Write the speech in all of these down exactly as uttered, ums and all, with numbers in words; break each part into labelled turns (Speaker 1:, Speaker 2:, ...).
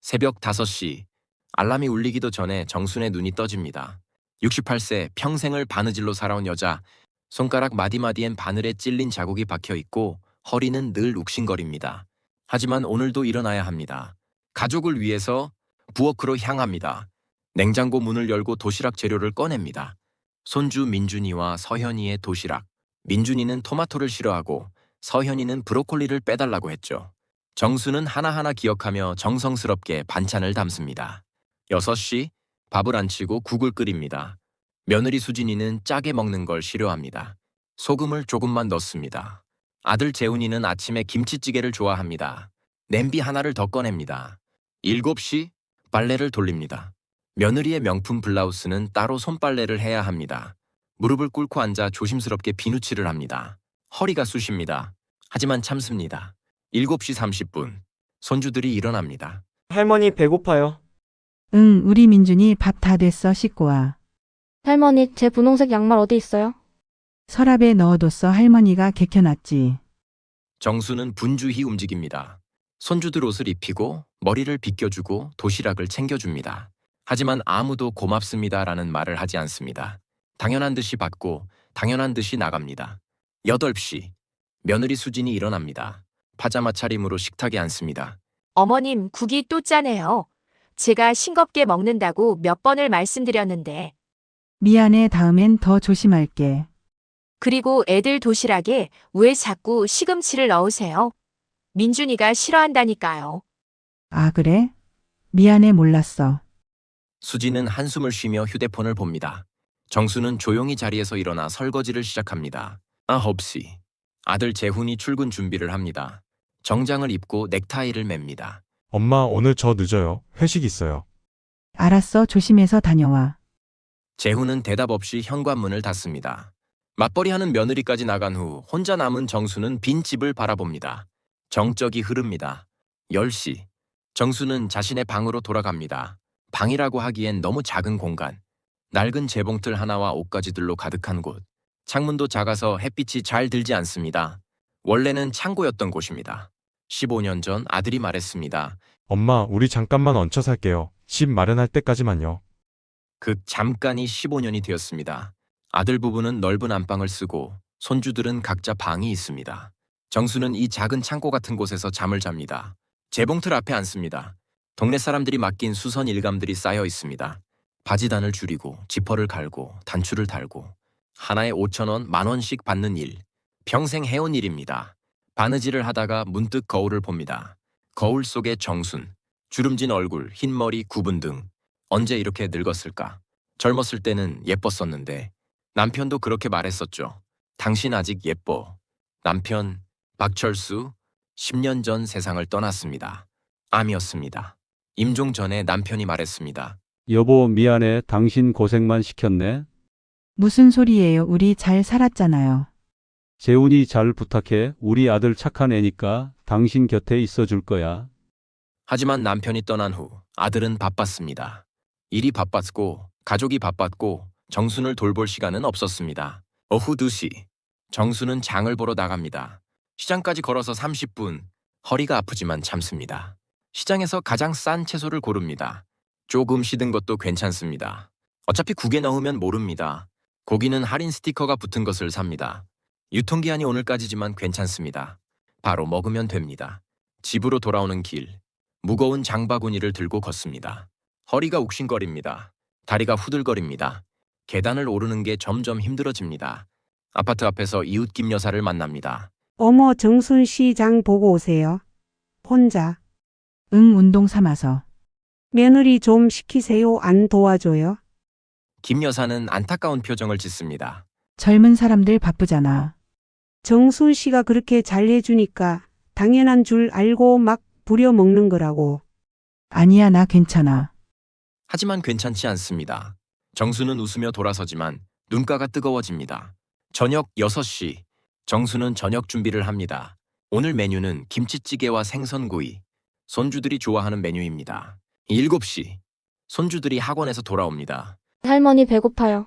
Speaker 1: 새벽 다섯 시. 알람이 울리기도 전에 정순의 눈이 떠집니다. 육십팔 세 평생을 바느질로 살아온 여자. 손가락 마디마디엔 바늘에 찔린 자국이 박혀 있고 허리는 늘 욱신거립니다. 하지만 오늘도 일어나야 합니다. 가족을 위해서 부엌으로 향합니다. 냉장고 문을 열고 도시락 재료를 꺼냅니다. 손주 민준이와 서현이의 도시락. 민준이는 토마토를 싫어하고 서현이는 브로콜리를 빼달라고 했죠. 정수는 하나하나 기억하며 정성스럽게 반찬을 담습니다. 여섯 시. 밥을 안 치고 국을 끓입니다. 며느리 수진이는 짜게 먹는 걸 싫어합니다. 소금을 조금만 넣습니다. 아들 재훈이는 아침에 김치찌개를 좋아합니다. 냄비 하나를 더 꺼냅니다. 일곱 시. 빨래를 돌립니다. 며느리의 명품 블라우스는 따로 손빨래를 해야 합니다. 무릎을 꿇고 앉아 조심스럽게 비누칠을 합니다. 허리가 쑤십니다. 하지만 참습니다. 일곱 시 삼십 분. 손주들이 일어납니다.
Speaker 2: 할머니 배고파요.
Speaker 3: 응, 우리 민준이 밥 다 됐어. 씻고 와.
Speaker 4: 할머니, 제 분홍색 양말 어디 있어요?
Speaker 3: 서랍에 넣어뒀어. 할머니가 개켜놨지.
Speaker 1: 정수는 분주히 움직입니다. 손주들 옷을 입히고 머리를 빗겨주고 도시락을 챙겨줍니다. 하지만 아무도 고맙습니다라는 말을 하지 않습니다. 당연한 듯이 받고 당연한 듯이 나갑니다. 여덟 시. 며느리 수진이 일어납니다. 파자마 차림으로 식탁에 앉습니다.
Speaker 5: 어머님, 국이 또 짜네요. 제가 싱겁게 먹는다고 몇 번을 말씀드렸는데.
Speaker 3: 미안해. 다음엔 더 조심할게.
Speaker 5: 그리고 애들 도시락에 왜 자꾸 시금치를 넣으세요? 민준이가 싫어한다니까요.
Speaker 3: 아, 그래? 미안해. 몰랐어.
Speaker 1: 수진은 한숨을 쉬며 휴대폰을 봅니다. 정수는 조용히 자리에서 일어나 설거지를 시작합니다. 아홉 시. 아들 재훈이 출근 준비를 합니다. 정장을 입고 넥타이를 맵니다.
Speaker 6: 엄마, 오늘 저 늦어요. 회식 있어요.
Speaker 3: 알았어. 조심해서 다녀와.
Speaker 1: 재훈은 대답 없이 현관문을 닫습니다. 맞벌이하는 며느리까지 나간 후 혼자 남은 정수는 빈 집을 바라봅니다. 정적이 흐릅니다. 열 시. 정수는 자신의 방으로 돌아갑니다. 방이라고 하기엔 너무 작은 공간. 낡은 재봉틀 하나와 옷가지들로 가득한 곳. 창문도 작아서 햇빛이 잘 들지 않습니다. 원래는 창고였던 곳입니다. 십오 년 전 아들이 말했습니다.
Speaker 6: 엄마, 우리 잠깐만 얹혀 살게요. 집 마련할 때까지만요.
Speaker 1: 그 잠깐이 십오 년이 되었습니다. 아들 부부는 넓은 안방을 쓰고 손주들은 각자 방이 있습니다. 정수는 이 작은 창고 같은 곳에서 잠을 잡니다. 재봉틀 앞에 앉습니다. 동네 사람들이 맡긴 수선 일감들이 쌓여 있습니다. 바지단을 줄이고 지퍼를 갈고 단추를 달고 하나에 오천 원, 만 원씩 받는 일. 평생 해온 일입니다. 바느질을 하다가 문득 거울을 봅니다. 거울 속의 정순. 주름진 얼굴, 흰 머리, 구분 등. 언제 이렇게 늙었을까? 젊었을 때는 예뻤었는데 남편도 그렇게 말했었죠. 당신 아직 예뻐. 남편 박철수 십 년 전 세상을 떠났습니다. 암이었습니다. 임종 전에 남편이 말했습니다.
Speaker 7: 여보, 미안해. 당신 고생만 시켰네.
Speaker 3: 무슨 소리예요? 우리 잘 살았잖아요.
Speaker 7: 재훈이 잘 부탁해. 우리 아들 착한 애니까 당신 곁에 있어 줄 거야.
Speaker 1: 하지만 남편이 떠난 후 아들은 바빴습니다. 일이 바빴고 가족이 바빴고 정순을 돌볼 시간은 없었습니다. 오후 두 시. 정순은 장을 보러 나갑니다. 시장까지 걸어서 삼십 분. 허리가 아프지만 참습니다. 시장에서 가장 싼 채소를 고릅니다. 조금 시든 것도 괜찮습니다. 어차피 국에 넣으면 모릅니다. 고기는 할인 스티커가 붙은 것을 삽니다. 유통기한이 오늘까지지만 괜찮습니다. 바로 먹으면 됩니다. 집으로 돌아오는 길. 무거운 장바구니를 들고 걷습니다. 허리가 욱신거립니다. 다리가 후들거립니다. 계단을 오르는 게 점점 힘들어집니다. 아파트 앞에서 이웃 김 여사를 만납니다.
Speaker 8: 어머, 정순 씨 장 보고 오세요. 혼자.
Speaker 3: 응, 운동 삼아서.
Speaker 8: 며느리 좀 시키세요. 안 도와줘요?
Speaker 1: 김 여사는 안타까운 표정을 짓습니다.
Speaker 3: 젊은 사람들 바쁘잖아.
Speaker 8: 정순 씨가 그렇게 잘해주니까 당연한 줄 알고 막 부려먹는 거라고.
Speaker 3: 아니야, 나 괜찮아.
Speaker 1: 하지만 괜찮지 않습니다. 정수는 웃으며 돌아서지만 눈가가 뜨거워집니다. 저녁 여섯 시. 정수는 저녁 준비를 합니다. 오늘 메뉴는 김치찌개와 생선구이. 손주들이 좋아하는 메뉴입니다. 일곱 시. 손주들이 학원에서 돌아옵니다.
Speaker 4: 할머니 배고파요.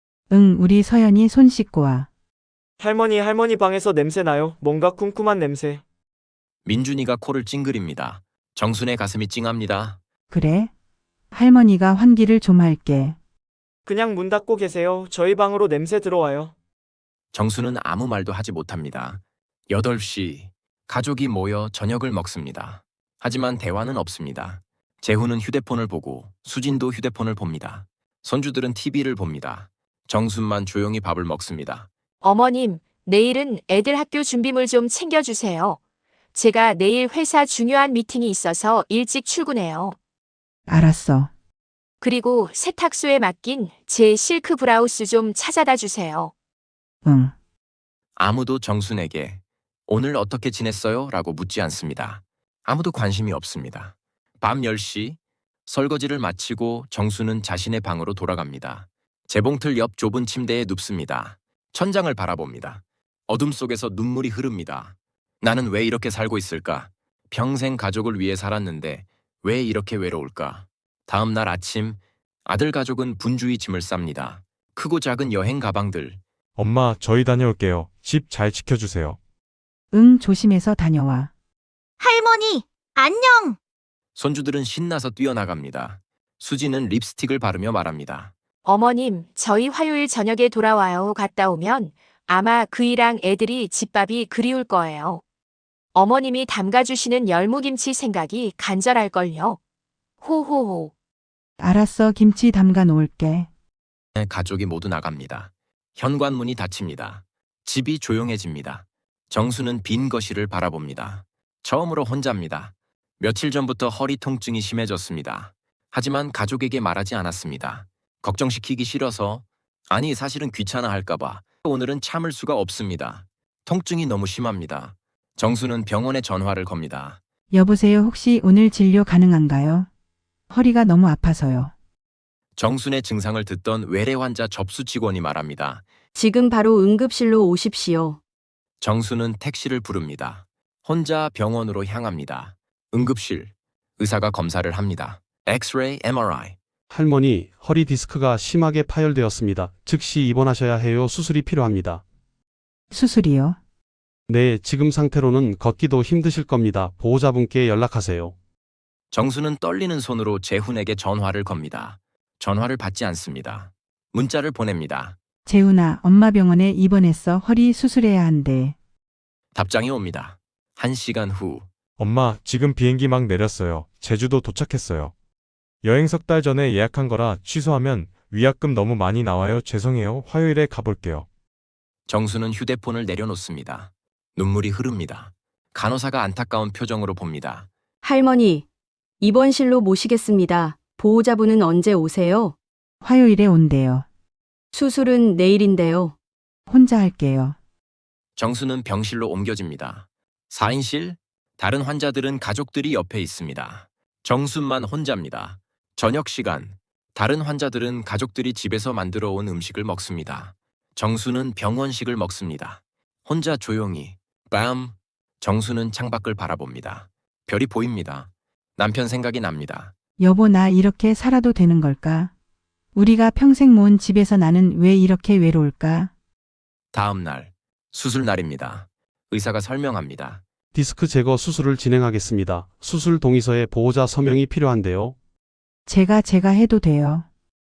Speaker 3: 응, 우리 서연이 손 씻고 와.
Speaker 2: 할머니, 할머니 방에서 냄새 나요. 뭔가 쿰쿰한 냄새.
Speaker 1: 민준이가 코를 찡그립니다. 정순의 가슴이 찡합니다.
Speaker 3: 그래? 할머니가 환기를 좀 할게.
Speaker 2: 그냥 문 닫고 계세요. 저희 방으로 냄새 들어와요.
Speaker 1: 정수는 아무 말도 하지 못합니다. 여덟 시 가족이 모여 저녁을 먹습니다. 하지만 대화는 없습니다. 재훈은 휴대폰을 보고 수진도 휴대폰을 봅니다. 손주들은 티비를 봅니다. 정순만 조용히 밥을 먹습니다.
Speaker 5: 어머님, 내일은 애들 학교 준비물 좀 챙겨주세요. 제가 내일 회사 중요한 미팅이 있어서 일찍 출근해요.
Speaker 3: 알았어.
Speaker 5: 그리고 세탁소에 맡긴 제 실크 브라우스 좀 찾아다 주세요.
Speaker 3: 응.
Speaker 1: 아무도 정순에게 오늘 어떻게 지냈어요? 라고 묻지 않습니다. 아무도 관심이 없습니다. 밤 열 시 설거지를 마치고 정수는 자신의 방으로 돌아갑니다. 재봉틀 옆 좁은 침대에 눕습니다. 천장을 바라봅니다. 어둠 속에서 눈물이 흐릅니다. 나는 왜 이렇게 살고 있을까? 평생 가족을 위해 살았는데 왜 이렇게 외로울까? 다음 날 아침 아들 가족은 분주히 짐을 쌉니다. 크고 작은 여행 가방들.
Speaker 6: 엄마, 저희 다녀올게요. 집 잘 지켜주세요.
Speaker 3: 응, 조심해서 다녀와.
Speaker 9: 할머니, 안녕!
Speaker 1: 손주들은 신나서 뛰어나갑니다. 수지는 립스틱을 바르며 말합니다.
Speaker 5: 어머님, 저희 화요일 저녁에 돌아와요. 갔다 오면 아마 그이랑 애들이 집밥이 그리울 거예요. 어머님이 담가주시는 열무김치 생각이 간절할걸요. 호호호.
Speaker 3: 알았어, 김치 담가 놓을게.
Speaker 1: 가족이 모두 나갑니다. 현관문이 닫힙니다. 집이 조용해집니다. 정수는 빈 거실을 바라봅니다. 처음으로 혼자입니다. 며칠 전부터 허리 통증이 심해졌습니다. 하지만 가족에게 말하지 않았습니다. 걱정시키기 싫어서, 아니 사실은 귀찮아 할까봐. 오늘은 참을 수가 없습니다. 통증이 너무 심합니다. 정수는 병원에 전화를 겁니다.
Speaker 3: 여보세요, 혹시 오늘 진료 가능한가요? 허리가 너무 아파서요.
Speaker 1: 정순의 증상을 듣던 외래 환자 접수 직원이 말합니다.
Speaker 10: 지금 바로 응급실로 오십시오.
Speaker 1: 정수는 택시를 부릅니다. 혼자 병원으로 향합니다. 응급실. 의사가 검사를 합니다. 엑스레이, 엠알아이.
Speaker 7: 할머니, 허리 디스크가 심하게 파열되었습니다. 즉시 입원하셔야 해요. 수술이 필요합니다.
Speaker 3: 수술이요?
Speaker 7: 네, 지금 상태로는 걷기도 힘드실 겁니다. 보호자분께 연락하세요.
Speaker 1: 정수는 떨리는 손으로 재훈에게 전화를 겁니다. 전화를 받지 않습니다. 문자를 보냅니다.
Speaker 3: 재훈아, 엄마 병원에 입원했어. 허리 수술해야 한대.
Speaker 1: 답장이 옵니다. 한 시간 후.
Speaker 6: 엄마, 지금 비행기 막 내렸어요. 제주도 도착했어요. 여행 석 달 전에 예약한 거라 취소하면 위약금 너무 많이 나와요. 죄송해요. 화요일에 가볼게요.
Speaker 1: 정수는 휴대폰을 내려놓습니다. 눈물이 흐릅니다. 간호사가 안타까운 표정으로 봅니다.
Speaker 10: 할머니, 입원실로 모시겠습니다. 보호자분은 언제 오세요?
Speaker 3: 화요일에 온대요.
Speaker 10: 수술은 내일인데요.
Speaker 3: 혼자 할게요.
Speaker 1: 정수는 병실로 옮겨집니다. 사 인실? 다른 환자들은 가족들이 옆에 있습니다. 정수만 혼자입니다. 저녁 시간. 다른 환자들은 가족들이 집에서 만들어 온 음식을 먹습니다. 정수는 병원식을 먹습니다. 혼자 조용히. 빰. 정수는 창밖을 바라봅니다. 별이 보입니다. 남편 생각이 납니다.
Speaker 3: 여보, 나 이렇게 살아도 되는 걸까? 우리가 평생 모은 집에서 나는 왜 이렇게 외로울까?
Speaker 1: 다음 날. 수술 날입니다. 의사가 설명합니다.
Speaker 7: 디스크 제거 수술을 진행하겠습니다. 수술 동의서에 보호자 서명이 필요한데요.
Speaker 3: 제가 제가 해도 돼요.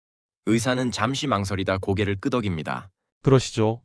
Speaker 1: 의사는 잠시 망설이다 고개를 끄덕입니다.
Speaker 7: 그러시죠.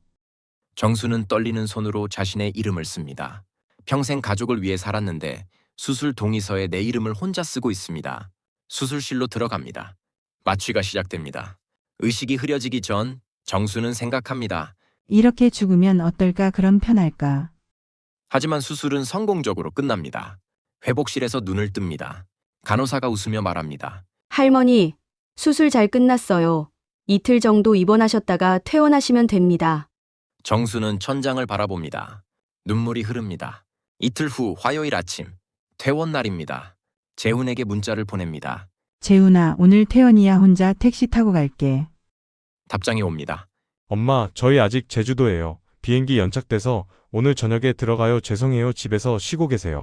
Speaker 1: 정수는 떨리는 손으로 자신의 이름을 씁니다. 평생 가족을 위해 살았는데 수술 동의서에 내 이름을 혼자 쓰고 있습니다. 수술실로 들어갑니다. 마취가 시작됩니다. 의식이 흐려지기 전 정수는 생각합니다.
Speaker 3: 이렇게 죽으면 어떨까? 그럼 편할까?
Speaker 1: 하지만 수술은 성공적으로 끝납니다. 회복실에서 눈을 뜹니다. 간호사가 웃으며 말합니다.
Speaker 10: 할머니, 수술 잘 끝났어요. 이틀 정도 입원하셨다가 퇴원하시면 됩니다.
Speaker 1: 정수는 천장을 바라봅니다. 눈물이 흐릅니다. 이틀 후 화요일 아침. 퇴원 날입니다. 재훈에게 문자를 보냅니다.
Speaker 3: 재훈아, 오늘 퇴원이야. 혼자 택시 타고 갈게.
Speaker 1: 답장이 옵니다.
Speaker 6: 엄마, 저희 아직 제주도예요. 비행기 연착돼서 오늘 저녁에 들어가요. 죄송해요. 집에서 쉬고 계세요.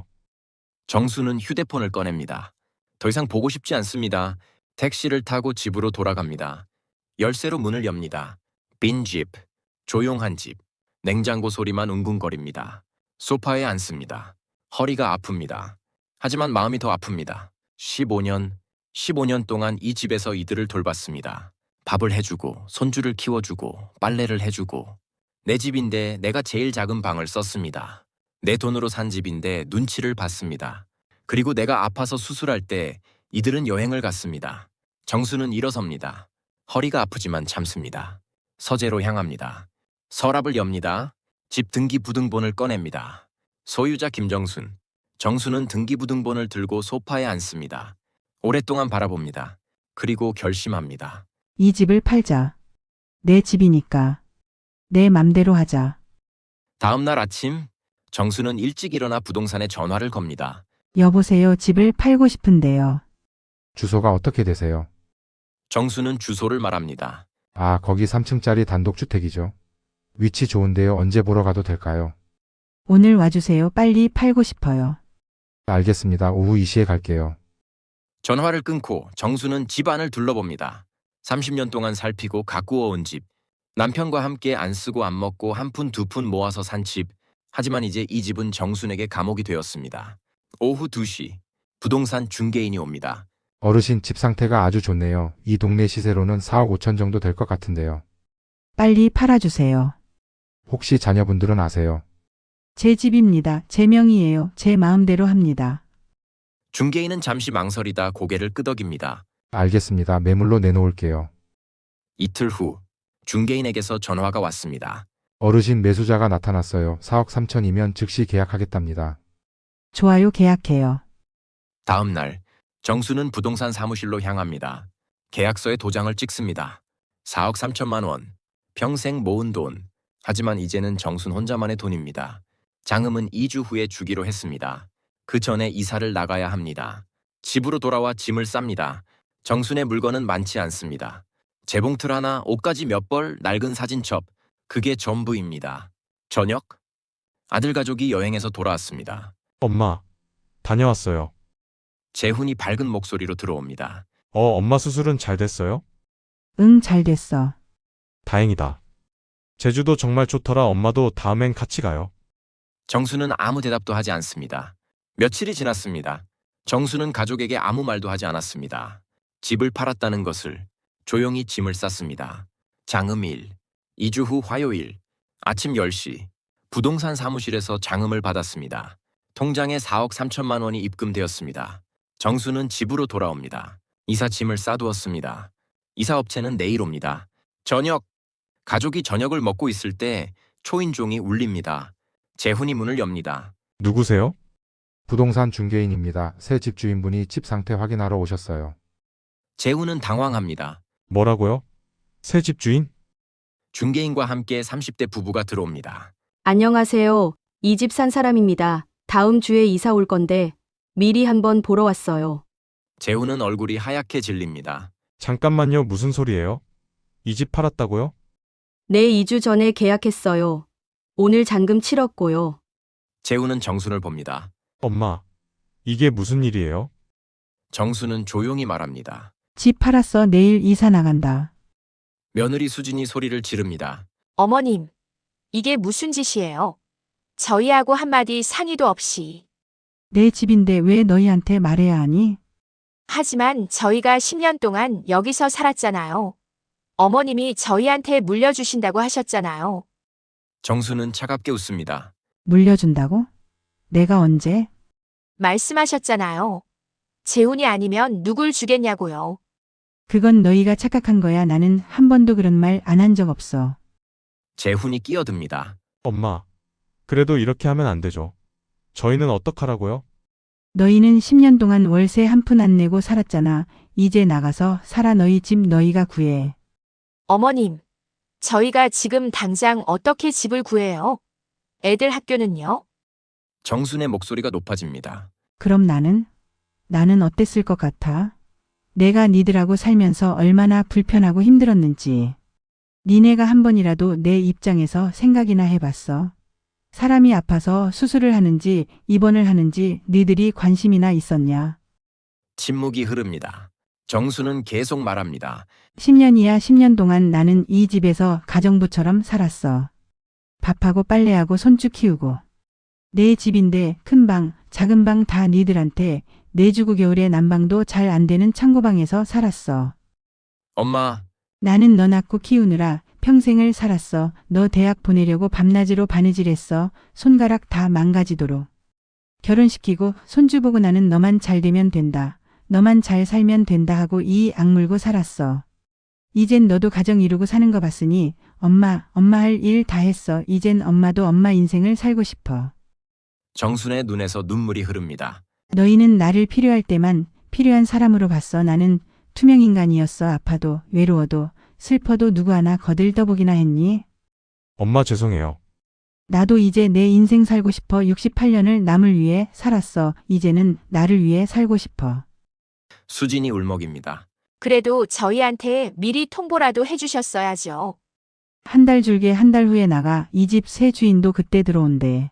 Speaker 1: 정수는 휴대폰을 꺼냅니다. 더 이상 보고 싶지 않습니다. 택시를 타고 집으로 돌아갑니다. 열쇠로 문을 엽니다. 빈 집, 조용한 집, 냉장고 소리만 웅궁거립니다. 소파에 앉습니다. 허리가 아픕니다. 하지만 마음이 더 아픕니다. 십오 년, 십오 년 동안 이 집에서 이들을 돌봤습니다. 밥을 해주고 손주를 키워주고 빨래를 해주고 내 집인데 내가 제일 작은 방을 썼습니다. 내 돈으로 산 집인데 눈치를 봤습니다. 그리고 내가 아파서 수술할 때 이들은 여행을 갔습니다. 정수는 일어섭니다. 허리가 아프지만 참습니다. 서재로 향합니다. 서랍을 엽니다. 집 등기부등본을 꺼냅니다. 소유자 김정순. 정수는 등기부등본을 들고 소파에 앉습니다. 오랫동안 바라봅니다. 그리고 결심합니다.
Speaker 3: 이 집을 팔자. 내 집이니까. 내 맘대로 하자.
Speaker 1: 다음 날 아침 정수는 일찍 일어나 부동산에 전화를 겁니다.
Speaker 3: 여보세요. 집을 팔고 싶은데요.
Speaker 11: 주소가 어떻게 되세요?
Speaker 1: 정수는 주소를 말합니다.
Speaker 11: 아, 거기 삼 층짜리 단독주택이죠. 위치 좋은데요. 언제 보러 가도 될까요?
Speaker 3: 오늘 와주세요. 빨리 팔고 싶어요.
Speaker 11: 알겠습니다. 오후 이 시에 갈게요.
Speaker 1: 전화를 끊고 정수는 집 안을 둘러봅니다. 삼십 년 동안 살피고 가꾸어 온 집. 남편과 함께 안 쓰고 안 먹고 한 푼 두 푼 모아서 산 집. 하지만 이제 이 집은 정순에게 감옥이 되었습니다. 오후 두 시. 부동산 중개인이 옵니다.
Speaker 11: 어르신 집 상태가 아주 좋네요. 이 동네 시세로는 사억 오천 정도 될 것 같은데요.
Speaker 3: 빨리 팔아주세요.
Speaker 11: 혹시 자녀분들은 아세요?
Speaker 3: 제 집입니다. 제 명의예요. 제 마음대로 합니다.
Speaker 1: 중개인은 잠시 망설이다 고개를 끄덕입니다.
Speaker 11: 알겠습니다. 매물로 내놓을게요.
Speaker 1: 이틀 후 중개인에게서 전화가 왔습니다.
Speaker 11: 어르신 매수자가 나타났어요. 사억 삼천이면 즉시 계약하겠답니다.
Speaker 3: 좋아요. 계약해요.
Speaker 1: 다음 날 정수는 부동산 사무실로 향합니다. 계약서에 도장을 찍습니다. 사억 삼천만 원. 평생 모은 돈. 하지만 이제는 정순 혼자만의 돈입니다. 장음은 이 주 후에 주기로 했습니다. 그 전에 이사를 나가야 합니다. 집으로 돌아와 짐을 쌉니다. 정순의 물건은 많지 않습니다. 재봉틀 하나, 옷가지 몇 벌, 낡은 사진첩. 그게 전부입니다. 저녁? 아들 가족이 여행에서 돌아왔습니다.
Speaker 6: 엄마, 다녀왔어요.
Speaker 1: 재훈이 밝은 목소리로 들어옵니다.
Speaker 6: 어, 엄마 수술은 잘 됐어요?
Speaker 3: 응, 잘 됐어.
Speaker 6: 다행이다. 제주도 정말 좋더라. 엄마도 다음엔 같이 가요.
Speaker 1: 정수는 아무 대답도 하지 않습니다. 며칠이 지났습니다. 정수는 가족에게 아무 말도 하지 않았습니다. 집을 팔았다는 것을. 조용히 짐을 쌌습니다. 장음일. 이 주 후 화요일. 아침 열 시. 부동산 사무실에서 장음을 받았습니다. 통장에 사억 삼천만 원이 입금되었습니다. 정수는 집으로 돌아옵니다. 이사 짐을 싸두었습니다. 이사업체는 내일 옵니다. 저녁. 가족이 저녁을 먹고 있을 때 초인종이 울립니다. 재훈이 문을 엽니다.
Speaker 6: 누구세요?
Speaker 11: 부동산 중개인입니다. 새 집주인분이 집 상태 확인하러 오셨어요.
Speaker 1: 재훈은 당황합니다.
Speaker 6: 뭐라고요? 새 집주인?
Speaker 1: 중개인과 함께 삼십 대 부부가 들어옵니다.
Speaker 10: 안녕하세요. 이 집 산 사람입니다. 다음 주에 이사 올 건데 미리 한번 보러 왔어요.
Speaker 1: 재훈은 얼굴이 하얗게 질립니다.
Speaker 6: 잠깐만요. 무슨 소리예요? 이 집 팔았다고요?
Speaker 10: 네, 이 주 전에 계약했어요. 오늘 잔금 치렀고요.
Speaker 1: 재훈은 정순을 봅니다.
Speaker 6: 엄마, 이게 무슨 일이에요?
Speaker 1: 정순은 조용히 말합니다.
Speaker 3: 집 팔았어. 내일 이사 나간다.
Speaker 1: 며느리 수진이 소리를 지릅니다.
Speaker 5: 어머님, 이게 무슨 짓이에요? 저희하고 한마디 상의도 없이.
Speaker 3: 내 집인데 왜 너희한테 말해야 하니?
Speaker 5: 하지만 저희가 십 년 동안 여기서 살았잖아요. 어머님이 저희한테 물려주신다고 하셨잖아요.
Speaker 1: 정순은 차갑게 웃습니다.
Speaker 3: 물려준다고? 내가 언제?
Speaker 5: 말씀하셨잖아요. 재훈이 아니면 누굴 주겠냐고요.
Speaker 3: 그건 너희가 착각한 거야. 나는 한 번도 그런 말 안 한 적 없어.
Speaker 1: 재훈이 끼어듭니다.
Speaker 6: 엄마, 그래도 이렇게 하면 안 되죠. 저희는 어떡하라고요?
Speaker 3: 너희는 십 년 동안 월세 한 푼 안 내고 살았잖아. 이제 나가서 살아. 너희 집 너희가 구해.
Speaker 5: 어머님, 저희가 지금 당장 어떻게 집을 구해요? 애들 학교는요?
Speaker 1: 정순의 목소리가 높아집니다.
Speaker 3: 그럼 나는? 나는 어땠을 것 같아? 내가 니들하고 살면서 얼마나 불편하고 힘들었는지. 니네가 한 번이라도 내 입장에서 생각이나 해봤어? 사람이 아파서 수술을 하는지 입원을 하는지 니들이 관심이나 있었냐?
Speaker 1: 침묵이 흐릅니다. 정수는 계속 말합니다.
Speaker 3: 십 년이야 십 년 동안 나는 이 집에서 가정부처럼 살았어. 밥하고 빨래하고 손주 키우고. 내 집인데 큰 방, 작은 방 다 니들한테 내주고 겨울에 난방도 잘 안 되는 창고방에서 살았어.
Speaker 1: 엄마,
Speaker 3: 나는 너 낳고 키우느라 평생을 살았어. 너 대학 보내려고 밤낮으로 바느질했어. 손가락 다 망가지도록. 결혼시키고 손주 보고 나는 너만 잘 되면 된다. 너만 잘 살면 된다 하고 이 악물고 살았어. 이젠 너도 가정 이루고 사는 거 봤으니 엄마, 엄마 할 일 다 했어. 이젠 엄마도 엄마 인생을 살고 싶어.
Speaker 1: 정순의 눈에서 눈물이 흐릅니다.
Speaker 3: 너희는 나를 필요할 때만 필요한 사람으로 봤어. 나는 투명 인간이었어. 아파도 외로워도 슬퍼도 누구 하나 거들떠보기나 했니?
Speaker 6: 엄마 죄송해요.
Speaker 3: 나도 이제 내 인생 살고 싶어. 육십팔 년을 남을 위해 살았어. 이제는 나를 위해 살고 싶어.
Speaker 1: 수진이 울먹입니다.
Speaker 5: 그래도 저희한테 미리 통보라도 해주셨어야죠.
Speaker 3: 한 달 줄게 한 달 후에 나가. 이 집 새 주인도 그때 들어온대.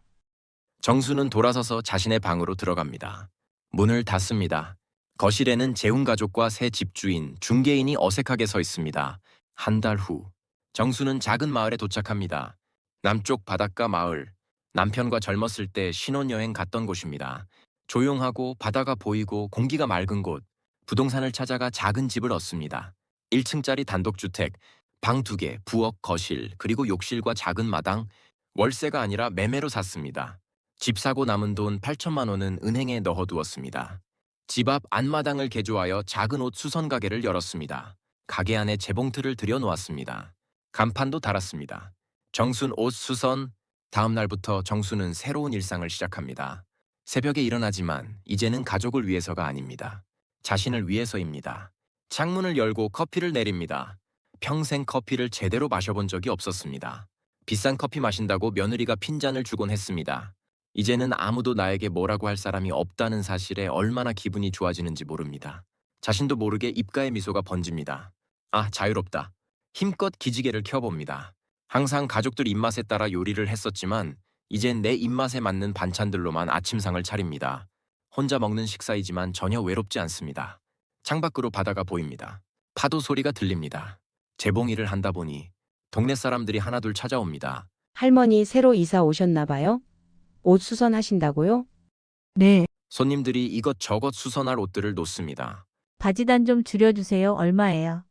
Speaker 1: 정수는 돌아서서 자신의 방으로 들어갑니다. 문을 닫습니다. 거실에는 재훈 가족과 새 집주인, 중개인이 어색하게 서 있습니다. 한 달 후, 정수는 작은 마을에 도착합니다. 남쪽 바닷가 마을, 남편과 젊었을 때 신혼여행 갔던 곳입니다. 조용하고 바다가 보이고 공기가 맑은 곳, 부동산을 찾아가 작은 집을 얻습니다. 일 층짜리 단독주택, 방 두 개, 부엌, 거실, 그리고 욕실과 작은 마당, 월세가 아니라 매매로 샀습니다. 집 사고 남은 돈 팔천만 원은 은행에 넣어두었습니다. 집 앞 안마당을 개조하여 작은 옷 수선 가게를 열었습니다. 가게 안에 재봉틀을 들여놓았습니다. 간판도 달았습니다. 정순 옷 수선. 다음 날부터 정순은 새로운 일상을 시작합니다. 새벽에 일어나지만 이제는 가족을 위해서가 아닙니다. 자신을 위해서입니다. 창문을 열고 커피를 내립니다. 평생 커피를 제대로 마셔본 적이 없었습니다. 비싼 커피 마신다고 며느리가 핀잔을 주곤 했습니다. 이제는 아무도 나에게 뭐라고 할 사람이 없다는 사실에 얼마나 기분이 좋아지는지 모릅니다. 자신도 모르게 입가에 미소가 번집니다. 아, 자유롭다. 힘껏 기지개를 켜봅니다. 항상 가족들 입맛에 따라 요리를 했었지만 이젠 내 입맛에 맞는 반찬들로만 아침상을 차립니다. 혼자 먹는 식사이지만 전혀 외롭지 않습니다. 창밖으로 바다가 보입니다. 파도 소리가 들립니다. 재봉일을 한다 보니 동네 사람들이 하나둘 찾아옵니다.
Speaker 12: 할머니 새로 이사 오셨나 봐요? 옷 수선하신다고요?
Speaker 3: 네,
Speaker 1: 손님들이 이것저것 수선할 옷들을 놓습니다.
Speaker 9: 바지단 좀 줄여주세요. 얼마예요?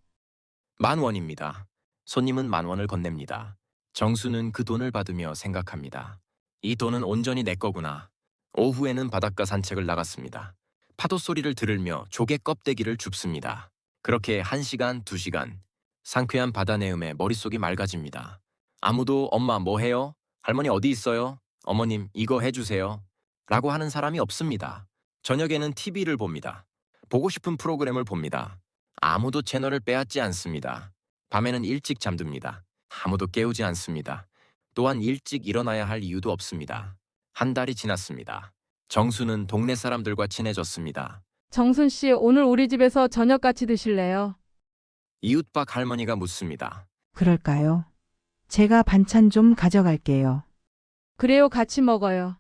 Speaker 1: 만 원입니다. 손님은 만 원을 건넵니다. 정수는 그 돈을 받으며 생각합니다. 이 돈은 온전히 내 거구나. 오후에는 바닷가 산책을 나갔습니다. 파도 소리를 들으며 조개 껍데기를 줍습니다. 그렇게 한 시간, 두 시간. 상쾌한 바다 내음에 머릿속이 맑아집니다. 아무도 엄마 뭐 해요? 할머니 어디 있어요? 어머님 이거 해주세요. 라고 하는 사람이 없습니다. 저녁에는 티비를 봅니다. 보고 싶은 프로그램을 봅니다. 아무도 채널을 빼앗지 않습니다. 밤에는 일찍 잠듭니다. 아무도 깨우지 않습니다. 또한 일찍 일어나야 할 이유도 없습니다. 한 달이 지났습니다. 정수는 동네 사람들과 친해졌습니다.
Speaker 13: 정순 씨, 오늘 우리 집에서 저녁 같이 드실래요?
Speaker 1: 이웃박 할머니가 묻습니다.
Speaker 3: 그럴까요? 제가 반찬 좀 가져갈게요.
Speaker 13: 그래요, 같이 먹어요.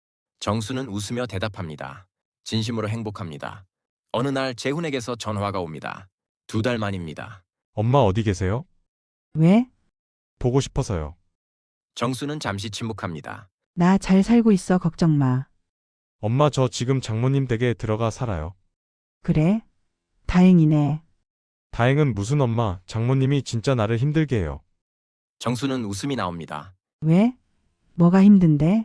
Speaker 1: 정수는 웃으며 대답합니다. 진심으로 행복합니다. 어느 날 재훈에게서 전화가 옵니다. 두 달 만입니다.
Speaker 6: 엄마 어디 계세요?
Speaker 3: 왜?
Speaker 6: 보고 싶어서요.
Speaker 1: 정수는 잠시 침묵합니다.
Speaker 3: 나 잘 살고 있어. 걱정 마.
Speaker 6: 엄마 저 지금 장모님 댁에 들어가 살아요.
Speaker 3: 그래? 다행이네.
Speaker 6: 다행은 무슨 엄마, 장모님이 진짜 나를 힘들게 해요.
Speaker 1: 정수는 웃음이 나옵니다.
Speaker 3: 왜? 뭐가 힘든데?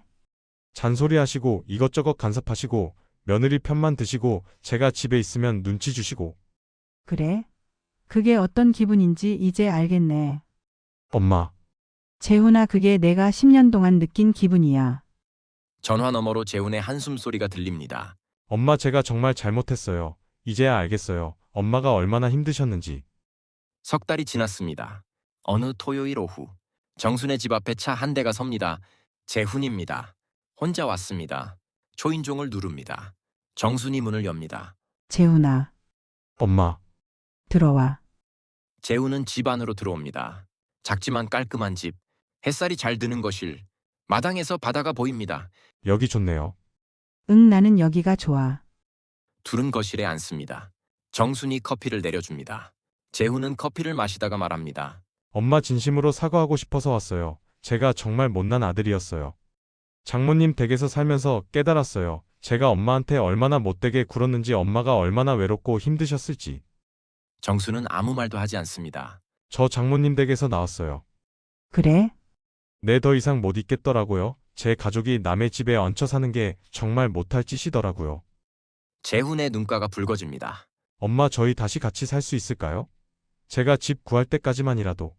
Speaker 6: 잔소리하시고 이것저것 간섭하시고 며느리 편만 드시고 제가 집에 있으면 눈치 주시고.
Speaker 3: 그래? 그게 어떤 기분인지 이제 알겠네.
Speaker 6: 엄마,
Speaker 3: 재훈아, 그게 내가 십 년 동안 느낀 기분이야.
Speaker 1: 전화 너머로 재훈의 한숨 소리가 들립니다.
Speaker 6: 엄마 제가 정말 잘못했어요. 이제야 알겠어요. 엄마가 얼마나 힘드셨는지.
Speaker 1: 석 달이 지났습니다. 어느 토요일 오후, 정순의 집 앞에 차 한 대가 섭니다. 재훈입니다. 혼자 왔습니다. 초인종을 누릅니다. 정순이 문을 엽니다.
Speaker 3: 재훈아,
Speaker 6: 엄마,
Speaker 3: 들어와.
Speaker 1: 재훈은 집 안으로 들어옵니다. 작지만 깔끔한 집, 햇살이 잘 드는 거실, 마당에서 바다가 보입니다.
Speaker 6: 여기 좋네요.
Speaker 3: 응, 나는 여기가 좋아.
Speaker 1: 둘은 거실에 앉습니다. 정순이 커피를 내려줍니다. 재훈은 커피를 마시다가 말합니다.
Speaker 6: 엄마 진심으로 사과하고 싶어서 왔어요. 제가 정말 못난 아들이었어요. 장모님 댁에서 살면서 깨달았어요. 제가 엄마한테 얼마나 못되게 굴었는지, 엄마가 얼마나 외롭고 힘드셨을지.
Speaker 1: 정수는 아무 말도 하지 않습니다.
Speaker 6: 저 장모님 댁에서 나왔어요.
Speaker 3: 그래?
Speaker 6: 네, 더 이상 못 있겠더라고요. 제 가족이 남의 집에 얹혀 사는 게 정말 못할 짓이더라고요.
Speaker 1: 재훈의 눈가가 붉어집니다.
Speaker 6: 엄마, 저희 다시 같이 살 수 있을까요? 제가 집 구할 때까지만이라도.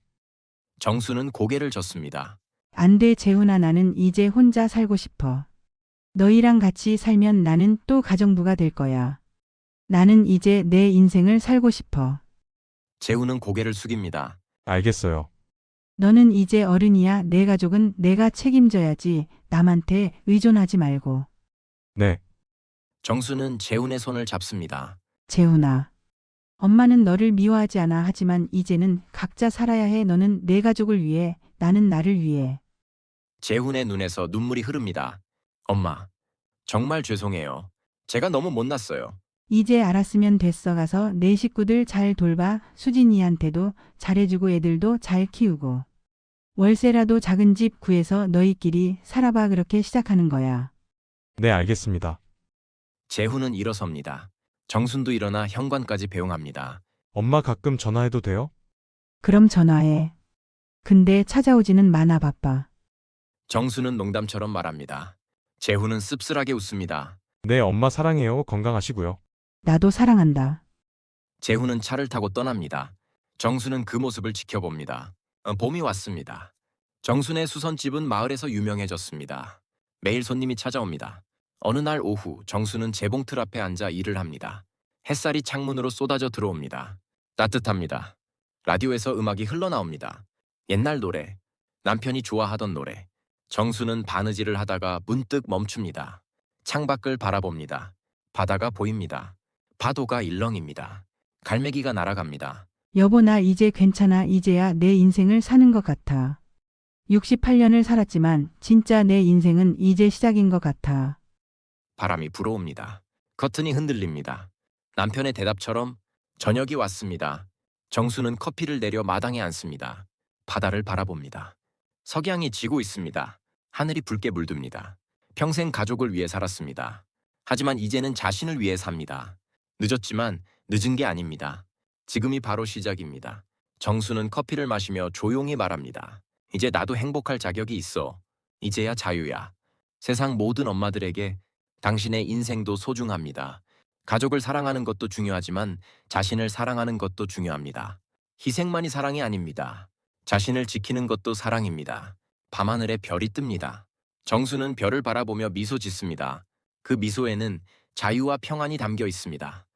Speaker 1: 정수는 고개를 젓습니다.
Speaker 3: 안 돼, 재훈아. 나는 이제 혼자 살고 싶어. 너희랑 같이 살면 나는 또 가정부가 될 거야. 나는 이제 내 인생을 살고 싶어.
Speaker 1: 재훈은 고개를 숙입니다.
Speaker 6: 알겠어요.
Speaker 3: 너는 이제 어른이야. 내 가족은 내가 책임져야지. 남한테 의존하지 말고.
Speaker 6: 네.
Speaker 1: 정수는 재훈의 손을 잡습니다.
Speaker 3: 재훈아. 엄마는 너를 미워하지 않아. 하지만 이제는 각자 살아야 해. 너는 내 가족을 위해, 나는 나를 위해.
Speaker 1: 재훈의 눈에서 눈물이 흐릅니다. 엄마, 정말 죄송해요. 제가 너무 못났어요.
Speaker 3: 이제 알았으면 됐어. 가서 내 식구들 잘 돌봐. 수진이한테도 잘해주고 애들도 잘 키우고. 월세라도 작은 집 구해서 너희끼리 살아봐. 그렇게 시작하는 거야.
Speaker 6: 네, 알겠습니다.
Speaker 1: 재훈은 일어섭니다. 정순도 일어나 현관까지 배웅합니다.
Speaker 6: 엄마, 가끔 전화해도 돼요?
Speaker 3: 그럼 전화해. 근데 찾아오지는 마나. 바빠.
Speaker 1: 정수는 농담처럼 말합니다. 재훈은 씁쓸하게 웃습니다.
Speaker 6: 네, 엄마 사랑해요. 건강하시고요.
Speaker 3: 나도 사랑한다.
Speaker 1: 재훈은 차를 타고 떠납니다. 정수는 그 모습을 지켜봅니다. 어, 봄이 왔습니다. 정순의 수선집은 마을에서 유명해졌습니다. 매일 손님이 찾아옵니다. 어느 날 오후 정수는 재봉틀 앞에 앉아 일을 합니다. 햇살이 창문으로 쏟아져 들어옵니다. 따뜻합니다. 라디오에서 음악이 흘러나옵니다. 옛날 노래, 남편이 좋아하던 노래. 정수는 바느질을 하다가 문득 멈춥니다. 창밖을 바라봅니다. 바다가 보입니다. 파도가 일렁입니다. 갈매기가 날아갑니다.
Speaker 3: 여보, 나 이제 괜찮아. 이제야 내 인생을 사는 것 같아. 육십팔 년을 살았지만 진짜 내 인생은 이제 시작인 것 같아.
Speaker 1: 바람이 불어옵니다. 커튼이 흔들립니다. 남편의 대답처럼 저녁이 왔습니다. 정수는 커피를 내려 마당에 앉습니다. 바다를 바라봅니다. 석양이 지고 있습니다. 하늘이 붉게 물듭니다. 평생 가족을 위해 살았습니다. 하지만 이제는 자신을 위해 삽니다. 늦었지만 늦은 게 아닙니다. 지금이 바로 시작입니다. 정수는 커피를 마시며 조용히 말합니다. 이제 나도 행복할 자격이 있어. 이제야 자유야. 세상 모든 엄마들에게 당신의 인생도 소중합니다. 가족을 사랑하는 것도 중요하지만 자신을 사랑하는 것도 중요합니다. 희생만이 사랑이 아닙니다. 자신을 지키는 것도 사랑입니다. 밤하늘에 별이 뜹니다. 정수는 별을 바라보며 미소 짓습니다. 그 미소에는 자유와 평안이 담겨 있습니다.